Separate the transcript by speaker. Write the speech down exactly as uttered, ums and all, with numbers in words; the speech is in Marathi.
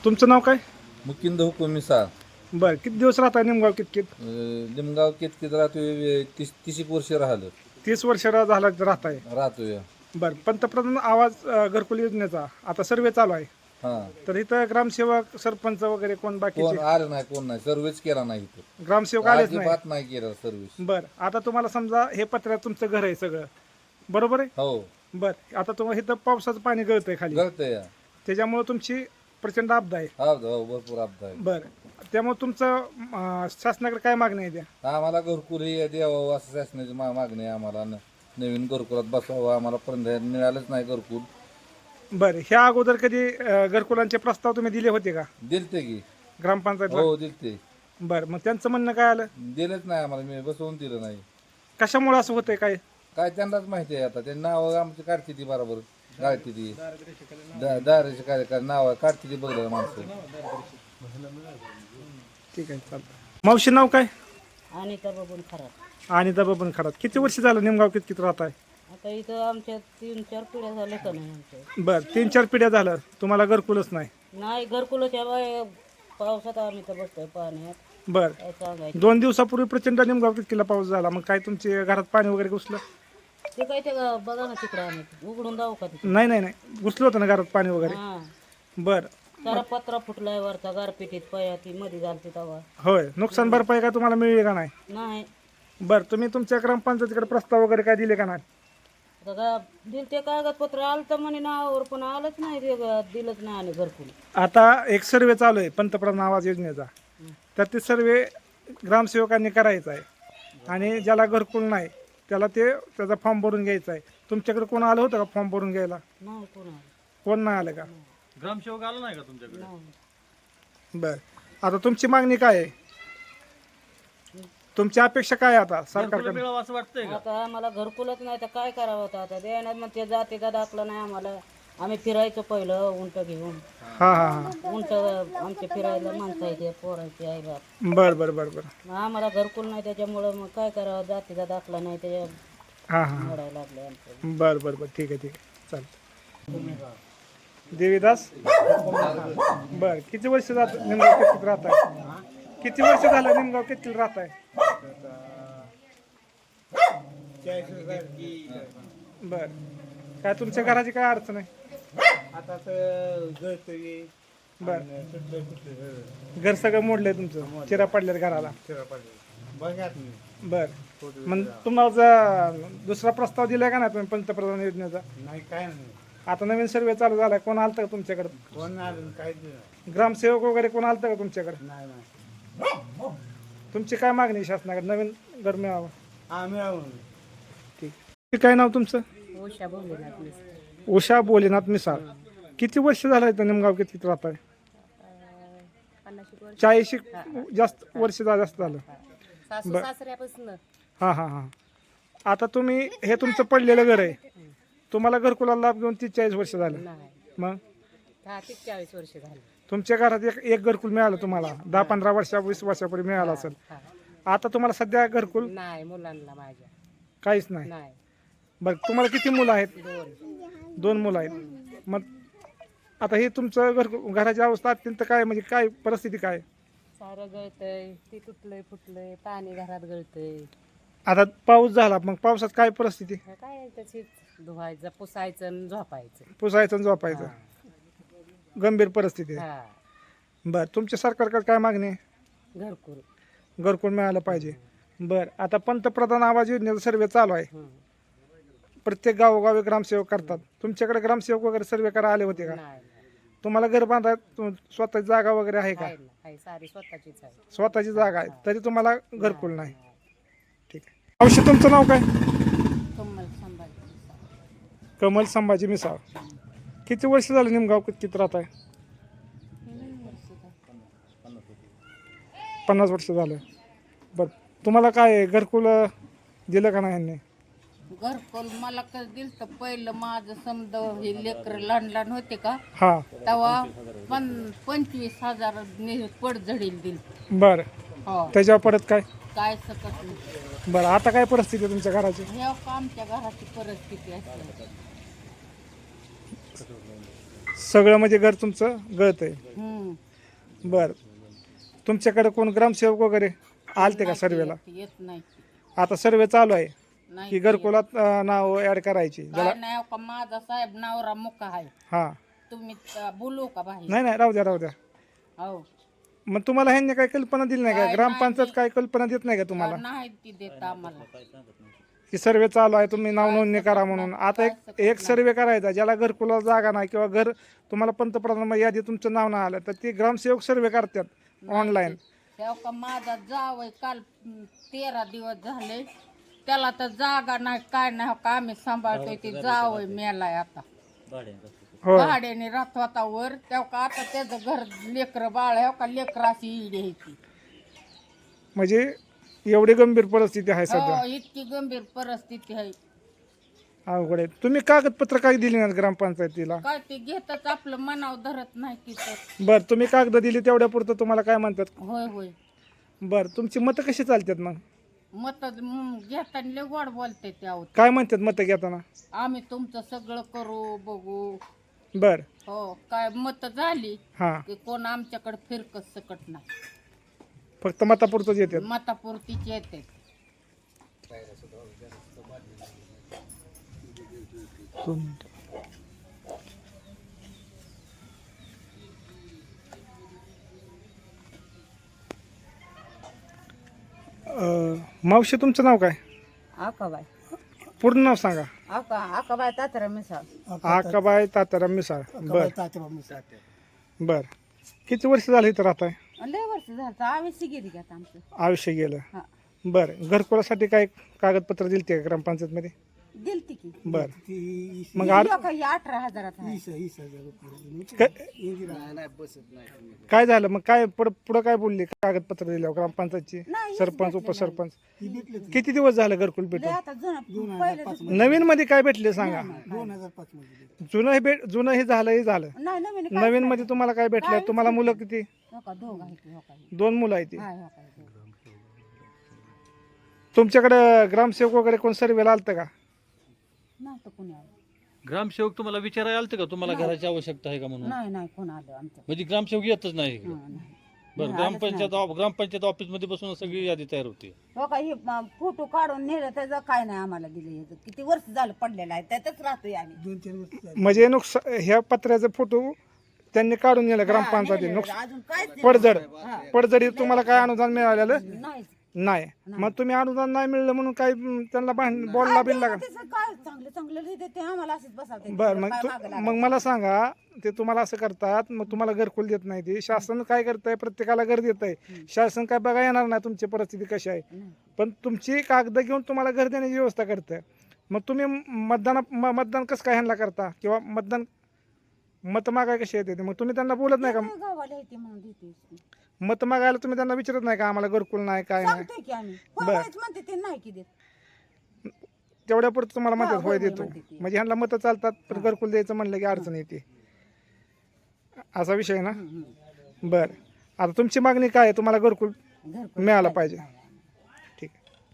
Speaker 1: तुमचं नाव काय?
Speaker 2: मुकिंद हुकुम मिसाळ.
Speaker 1: बरं, किती दिवस राहता निमगाव कितकित?
Speaker 2: अं, लिमगाव कितकित राहतोय. तीस तीस एक वर्ष राहिलं
Speaker 1: तीस वर्ष रा- झाला राहताय.
Speaker 2: राहतोय.
Speaker 1: बरं, पंतप्रधान आवाज अ, घरकुल योजनेचा आता सर्वे चालू आहे.
Speaker 2: हा,
Speaker 1: तर इथं ग्रामसेवक सरपंच वगैरे कोण बाकीचे
Speaker 2: कोण आलं नाही, कोण नाही, सर्व्हिस केला नाही इथं.
Speaker 1: ग्रामसेवक आलेच नाही.
Speaker 2: अजिबात नाही केला सर्व्हिस.
Speaker 1: बरं, आता तुम्हाला समजा हे पत्र्यात तुमचं घर आहे सगळं, बरोबर आहे?
Speaker 2: हो,
Speaker 1: बरं, आता तुम्हाला इथं पावसाचं पाणी गळतंय खाली,
Speaker 2: गळतंय.
Speaker 1: त्याच्यामुळे तुमची प्रचंड आपदा आहे.
Speaker 2: हा, हो, भरपूर अपघात आहे.
Speaker 1: बरं, त्यामुळे तुमचं अं, शासनाकडे काय मागणी आहे त्या?
Speaker 2: आम्हाला घरकुल हे द्यावं असं शासनाची मा- मागणी आहे. आम्हाला न- नवीन घरकुलात बसवावं. आम्हाला पर्यंत मिळालंच नाही घरकुल.
Speaker 1: बरं, ह्या अगोदर कधी अं, घरकुलांचे प्रस्ताव तुम्ही दिले होते का
Speaker 2: दिलते की.
Speaker 1: ग्रामपंचायतला?
Speaker 2: हो, दिलते.
Speaker 1: बरं, मग त्यांचं म्हणणं काय आलं?
Speaker 2: दिलंच नाही आम्हाला. मी बसवून दिलं नाही.
Speaker 1: कशामुळे असं होतंय काय?
Speaker 2: काय त्यांनाच माहिती आहे. आता ते नाव आमची काढते ती बरोबर काढते ती दाराचे काय नाव काढते ती बघलं माणसं.
Speaker 1: ठीक आहे, चालतं. मावशी नाव काय?
Speaker 3: आणि तर बघून खराब.
Speaker 1: आणि दबा पण खराब. किती वर्ष झालं निमगाव कित किती राहत आहे?
Speaker 3: आता इथं आमच्या तीन चार पिढ्या झाल्या का नाही आमच्या.
Speaker 1: बरं, तीन चार पिढ्या झालं तुम्हाला घरकुलच नाही.
Speaker 3: नाही घरकुलाच्या बाय पावसात आम्ही तर बसतोय पाण्यात.
Speaker 1: बरं,
Speaker 3: काय सांगायचं
Speaker 1: दोन दिवसापूर्वी प्रचंड निमगाव कितकीला पाऊस झाला, मग काय तुमच्या घरात पाणी वगैरे घुसलं?
Speaker 3: ते काय ते बघा ना तिकडं आम्ही उघडून जाऊ का तिकडे.
Speaker 1: नाही नाही नाही घुसलं होतं ना घरात पाणी वगैरे?
Speaker 3: हा,
Speaker 1: बरं,
Speaker 3: सारा पत्रा फुटलाय वरचा गारपिटीत पया ती मध्ये झालती तवा.
Speaker 1: होय. नुकसान भरपाई काय तुम्हाला मिळेल का नाही?
Speaker 3: नाही
Speaker 1: बरं, तुम्ही तुमच्या ग्रामपंचायतीकडे प्रस्ताव वगैरे काय दिले का नाही?
Speaker 3: आता का दिल ते कागदपत्र आलं तर म्हणे नावावर पण आलंच नाही ते ग- दिलंच नाही आणि घरकुल.
Speaker 1: आता एक सर्वे चालू आहे पंतप्रधान आवास योजनेचा, तर ते सर्वे ग्रामसेवकांनी करायचा आहे आणि ज्याला घरकुल नाही त्याला ते त्याचा फॉर्म भरून घ्यायचा आहे. तुमच्याकडे कोण आलं होतं का फॉर्म भरून घ्यायला?
Speaker 3: नाही कोणा
Speaker 1: कोण नाही आलं का?
Speaker 4: ग्रामसेवक आला नाही का तुमच्याकडे?
Speaker 3: नाही.
Speaker 1: बरं, आता तुमची मागणी काय आहे? तुमची अपेक्षा काय आहे आता
Speaker 4: घरकुल
Speaker 1: सरकारकडे?
Speaker 4: मिळावं असं वाटतंय का?
Speaker 3: आता आम्हाला घरकुलच नाही तर काय करावं आता आता द्यायला मग ते जातीचा दाखला नाही आम्हाला. आम्ही फिरायचो पहिलं उंट घेऊन.
Speaker 1: हां हां हां,
Speaker 3: उंट आमच्या फिरायला माणसं आहे ते पोरांचे आई बाप.
Speaker 1: बरं बरं बरं बरं,
Speaker 3: मग आम्हाला घरकुल नाही त्याच्यामुळं मग काय करावं जातीचा दाखला नाही त्याच्या
Speaker 1: हां हां हां,
Speaker 3: मोडायला लागले आमचं.
Speaker 1: बरं बरं बरं, ठीक आहे ठीक आहे, चालतं. देवीदास, बरं, किती वर्ष जात निमगाव किती राहत आहे? किती वर्ष झालं निमगाव किती राहत आहे? बरं, काय तुमच्या घराची काय अडचण आहे?
Speaker 5: आता तर गळतोय
Speaker 1: बरं, घर सगळं मोडलंय तुमचं, चिरा पडल्यात घराला.
Speaker 5: बघा तुम्ही.
Speaker 1: बरं, मग तुम्हाला दुसरा प्रस्ताव दिलाय का नाही तुम्ही पंतप्रधान योजनेचा?
Speaker 5: नाही काय नाही.
Speaker 1: आता नवीन सर्वे चालू झालाय, कोण आलतं का तुमच्याकडे?
Speaker 5: कोण आलं काहीच नाही.
Speaker 1: ग्रामसेवक वगैरे कोण आलतं का तुमच्याकडे?
Speaker 5: नाही नाही.
Speaker 1: तुमची काय मागणी आहे शासनाकडे? नवीन घर मिळावं.
Speaker 5: हा मिळावं.
Speaker 1: ठीक. काय नाव तुमचं?
Speaker 3: उषा बोलले ना आपली.
Speaker 1: उषा बोलेनाथ मिसाळ. किती वर्ष झालं इथं निमगाव किती राहत आहे? चाळीस जास्त वर्ष झा- जास्त झालं.
Speaker 3: सासू सासऱ्यापासून
Speaker 1: हां हां हां, आता तुम्ही हे तुमचं पडलेलं घर आहे, तुम्हाला घरकुलाला लाभ घेऊन तीस चाळीस वर्ष झालं,
Speaker 3: नाही
Speaker 1: मग
Speaker 3: दहा ते चाळीस वर्ष झाली.
Speaker 1: तुमच्या घरात एक एक घरकुल मिळालं तुम्हाला दहा पंधरा वर्षा वीस वर्षापूर्वी मिळालं असेल. आता तुम्हाला सध्या घरकुल
Speaker 3: नाही मुलांना माझ्या
Speaker 1: काहीच नाही.
Speaker 3: नाही.
Speaker 1: बरं, तुम्हाला किती मुलं आहेत?
Speaker 3: दोन.
Speaker 1: दोन मुलं आहेत. मग आता हे तुमचं घर घराची अवस्था अत्यंत काय म्हणजे काय परिस्थिती काय?
Speaker 3: सारं गळतंय ती तुटलंय फुटलंय पाणी घरात गळतंय.
Speaker 1: आता पाऊस झाला, मग पावसात काय परिस्थिती?
Speaker 3: काय त्याची धुवायचं पुसायचं आणि झोपायचं.
Speaker 1: पुसायचं आणि झोपायचं, गंभीर परिस्थिती आहे.
Speaker 3: हा
Speaker 1: बरं, तुमच्या सरकारकडे काय मागणी आहे?
Speaker 3: घरकुल.
Speaker 1: घरकुल मिळालं पाहिजे. बरं, आता पंतप्रधान आवास योजनेचा सर्वे चालू आहे,
Speaker 3: हं.
Speaker 1: प्रत्येक गावोगावी ग्रामसेवक करतात. तुमच्याकडे ग्रामसेवक वगैरे सर्वे करा आले होते का?
Speaker 3: नाही नाही.
Speaker 1: तुम्हाला घर बांधा स्वतःची जागा वगैरे आहे का?
Speaker 3: आहे ना, आहे सारी स्वतःचीच आहे.
Speaker 1: स्वतःची जागा आहे तरी तुम्हाला घरकुल नाही. ठीक आहे. औषध तुमचं नाव काय?
Speaker 3: कमल संभाजी.
Speaker 1: कमल संभाजी मिसाळ. किती वर्ष झालं निमगाव किती राहत आहे? पन्नास वर्ष झालं. बरं, तुम्हाला काय घरकुल दिलं का नाही यांनी?
Speaker 6: घरकुल मला कसं दिलं तर पहिलं माझं समजा हे लेकर लहान लहान होते का
Speaker 1: हां,
Speaker 6: तेव्हा पण पंचवीस हजार पडझडील दिल.
Speaker 1: बरं,
Speaker 6: हो
Speaker 1: त्याच्यावर परत काय?
Speaker 6: काय सकत नाही.
Speaker 1: बरं, आता काय परिस्थिती आहे तुमच्या घराची?
Speaker 6: हे आमच्या घराची परिस्थिती असते.
Speaker 1: सगळं म्हणजे घर तुमचं गळत आहे.
Speaker 6: हम्म.
Speaker 1: बर तुमच्याकडे कोण ग्रामसेवक वगैरे आलते का सर्वेला?
Speaker 6: येत नाही
Speaker 1: आता सर्वे चालू आहे
Speaker 6: नाही
Speaker 1: की घरकुलात अं, नाव ऍड करायची ज्याला
Speaker 6: काय नाही का माझा साहेब नवरा मुका आहे.
Speaker 1: हा
Speaker 6: तुम्ही त- बोलू का बाहेर?
Speaker 1: नाही नाही राहू द्या राहू द्या.
Speaker 6: हो
Speaker 1: मग तुम्हाला ह्यांनी काही कल्पना दिली नाही का?
Speaker 6: काय
Speaker 1: ग्रामपंचायत
Speaker 6: नाही.
Speaker 1: काय कल्पना देत नाही का तुम्हाला
Speaker 6: नाही ती देत आम्हाला.
Speaker 1: की सर्वे चालू आहे तुम्ही नाव नोंदणी करा म्हणून? आता एक एक सर्वे करायचा ज्याला घरकुला जागा नाही किंवा घर तुम्हाला पंतप्रधान यादी तुमचं नाव नाही आलं तर ते ग्रामसेवक सर्वे करतात ऑनलाईन.
Speaker 6: तेव्हा का माझा जावय काल हं, तेरा दिवस झाले त्याला तर जागा नाही काय नाही हो का आम्ही सांभाळतोय. ते जावय मेलाय आता
Speaker 1: हो
Speaker 6: भाड्याने राहत होता वर तेव्हा का आता त्याचं घर लेकर बाळ आहे हो का लेकराची ईड ह्याची.
Speaker 1: म्हणजे एवढी गंभीर परिस्थिती आहे सध्या.
Speaker 6: हो इतकी गंभीर परिस्थिती आहे.
Speaker 1: अवघड आहे. तुम्ही कागदपत्र काय दिली नाहीत ग्रामपंचायतीला?
Speaker 6: काय ते घेतच आपलं मनाव धरत नाही तिथं.
Speaker 1: बर तुम्ही कागद दिली तेवढ्या पुरतं तुम्हाला काय म्हणतात?
Speaker 6: होय होय
Speaker 1: बर तुमची मतं कशी चालतात मग?
Speaker 6: मत घेताना लय गोड बोलते त्यावर.
Speaker 1: काय म्हणतात मतं घेताना?
Speaker 6: आम्ही तुमचं सगळं करू बघू.
Speaker 1: बर
Speaker 6: हो काय मत झाली
Speaker 1: हां
Speaker 6: की कोण आमच्याकडे फिरकत सकट नाही.
Speaker 1: फक्त मतापुरतंच येतात.
Speaker 6: मतापुरतीच येते.
Speaker 1: दोन मिनिटं. अं, मावशी तुमचं नाव काय?
Speaker 3: आकाबाई
Speaker 1: पूर्ण नाव सांगा.
Speaker 3: आका आकाबाई तात्या मिसाळ.
Speaker 1: आकाबाई तात्याराम मिसाळ. बर बर किती वर्ष झाली इथं राहताय?
Speaker 3: लय वर्ष झालं आम्ही सिगेरी घेत आमचं.
Speaker 1: आयुष्य गेलं.
Speaker 3: हा
Speaker 1: बर घरकुलासाठी काय कागदपत्र दिलते का ग्रामपंचायतमध्ये?
Speaker 3: दिलती की
Speaker 1: बर
Speaker 5: ती
Speaker 1: मग आ-
Speaker 3: लोक ही अठरा हजारात आहे.
Speaker 5: वीस वीस हजार रुपये
Speaker 1: काय- काय झालं मग? काय पुढं पुढं काय बोलली कागदपत्र दिल्यावर ग्रामपंचायतची?
Speaker 3: नाही,
Speaker 1: सरपंच उपसरपंच किती दिवस झालं घरकुल
Speaker 3: लय
Speaker 1: भेटून?
Speaker 3: आता जुनं पहिलं
Speaker 1: नवीन मध्ये काय भेटले सांगा?
Speaker 5: दोन हजार पाच मध्ये
Speaker 1: जुनं हे भेट जुनं हे झालं हे झालं.
Speaker 3: नाही नवीन
Speaker 1: नवीन मध्ये तुम्हाला काय भेटलं? तुम्हाला मुलं किती?
Speaker 3: हो का दोघ आहे की हो का ही.
Speaker 1: दोन मुलं आहेत ती.
Speaker 3: हाय हो का ही दोघं.
Speaker 1: तुमच्याकडे ग्रामसेवक वगैरे कोण सर्वेला आलतं का?
Speaker 3: नव्हतं कोणी आलं.
Speaker 4: ग्रामसेवक तुम्हाला विचारायला आलते का तुम्हाला घराची आवश्यकता आहे का म्हणून?
Speaker 3: नाही नाही कोण आलं आमच्या.
Speaker 4: म्हणजे ग्रामसेवक येतच नाही इकडे.
Speaker 3: हा, नाही.
Speaker 4: बरं ग्रामपंचायत ऑफ- ग्रामपंचायत ऑफिस मध्ये बसून सगळी यादी तयार होती.
Speaker 3: हो का ही म, फोटो काढून नेलं त्याचं काय नाही आम्हाला दिलं ह्याचं. किती वर्ष झालं पडलेलं आहे त्यातच राहतोय आम्ही.
Speaker 5: दोन चार वर्ष झाली.
Speaker 1: म्हणजे नुकसान ह्या पत्र्याचा फोटो त्यांनी काढून नेला ग्रामपंचायतीने. नुकसान
Speaker 3: अजून काहीच नाही.
Speaker 1: पडझड पडझडी तुम्हाला काय अनुदान मिळालेलं
Speaker 3: नाहीच.
Speaker 1: नाही. मग तुम्ही अनुदान नाही मिळलं म्हणून काय म, त्यांना भांड बोलला बिनला का?
Speaker 3: त्याचं काय चांगलं चांगलं लिहिते ते आम्हाला असंच बसावते.
Speaker 1: बर मग तू- मग मला सांगा ते तुम्हाला असं करतात मग तुम्हाला घरकुल देत नाही ते शासन काय करतंय? प्रत्येकाला घर देत आहे. शासन काय बघा येणार नाही तुमची परिस्थिती कशी आहे. पण तुमची कागद घेऊन तुम्हाला घर देण्याची व्यवस्था करतंय. मग तुम्ही मतदान म- मतदान कसं काय ह्यांना करता किंवा मतदान मत मागाय कशी येते ते? मग तुम्ही त्यांना बोलत नाही का?
Speaker 3: गावाला येते म्हणून देते.
Speaker 1: मत मागायला तुम्ही त्यांना विचारत नाही का आम्हाला घरकुल नाही काय नाही?
Speaker 3: सांगतोय की आम्ही होयच म्हणते ते नाही की देत.
Speaker 1: तेवढ्या पुरतं तुम्हाला म्हणतात होय
Speaker 3: होय
Speaker 1: देतो.
Speaker 3: म्हणते ती.
Speaker 1: म्हणजे ह्यांना मतं चालतात पण घरकुल द्यायचं म्हणलं की अडचण येते. असा विषय आहे ना? बर आता तुमची मागणी काय आहे? तुम्हाला घरकुल
Speaker 3: घरकुल
Speaker 1: मिळालं पाहिजे.